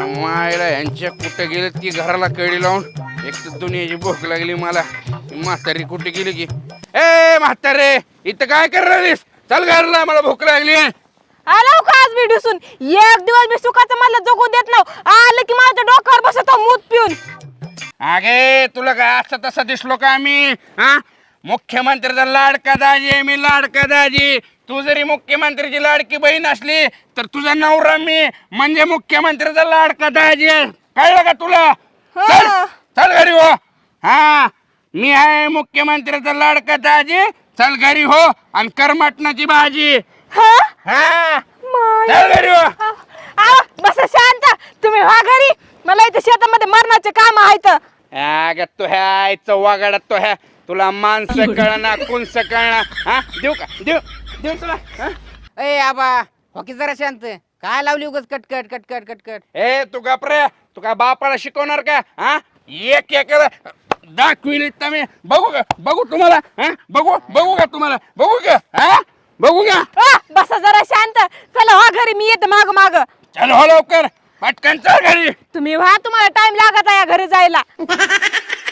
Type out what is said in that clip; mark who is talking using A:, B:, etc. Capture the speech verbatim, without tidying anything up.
A: मायला यांच्या कुठे गेले ती घराला कडी लावून. एक तर दुनियाची भूक लागली मला. म्हातारी कुठे गेली की? ए म्हातारे, इथं काय करणारीस? चल घरला, मला भूक लागली.
B: आलो का आज मी दिसून? एक दिवस मी सुखाचं मला जगू देत नव्ह. आलं की माझ्या डोक्यावर बसतो मूत पिऊन.
A: अगे तुला काय असं तसं दिसलो का आम्ही? हा, मुख्यमंत्र्याचा लाडका दाजी आहे मी, लाडका दाजी. तू जरी मुख्यमंत्र्याची लाडकी बहीण असली तर तुझा नवरा मी म्हणजे मुख्यमंत्र्याचा लाडका दाजी आहे. कळलं का तुला? चल चल घरी हो. हा, मी आहे मुख्यमंत्र्याचा लाडका दाजी. चल घरी हो आणि कर मटणाची भाजी.
B: हा
A: हा,
B: माय.
A: चल घरी हो.
B: आ, आ, बस शांत. तुम्ही व्हा घरी. मला इथे शेतामध्ये मरणाचे काम आहेत.
A: अगं तो ह्या आईचं वागाडा तो ह्या. तुला माणसं कळना कुणसं कळना. हा, देऊ का? देऊ देऊ तुला. हा?
C: ए आबा हॉकी जरा शांत. काय लावली उगाच कटकट कटकट कटकट.
A: ए तू गपरे, तू का बापाला शिकवणार का? हा, एक एकाला दाखविली तर मी. बघू का? बघू तुम्हाला? हा, बघू बघू का तुम्हाला? बघू का? हा, बघू का?
B: आ, बस जरा शांत. चला व्हा घरी, मी येते माग माग.
A: चल हो लवकर, पटकन चल घरी.
B: तुम्ही व्हा, तुम्हाला टाइम लागत आहे घरी जायला.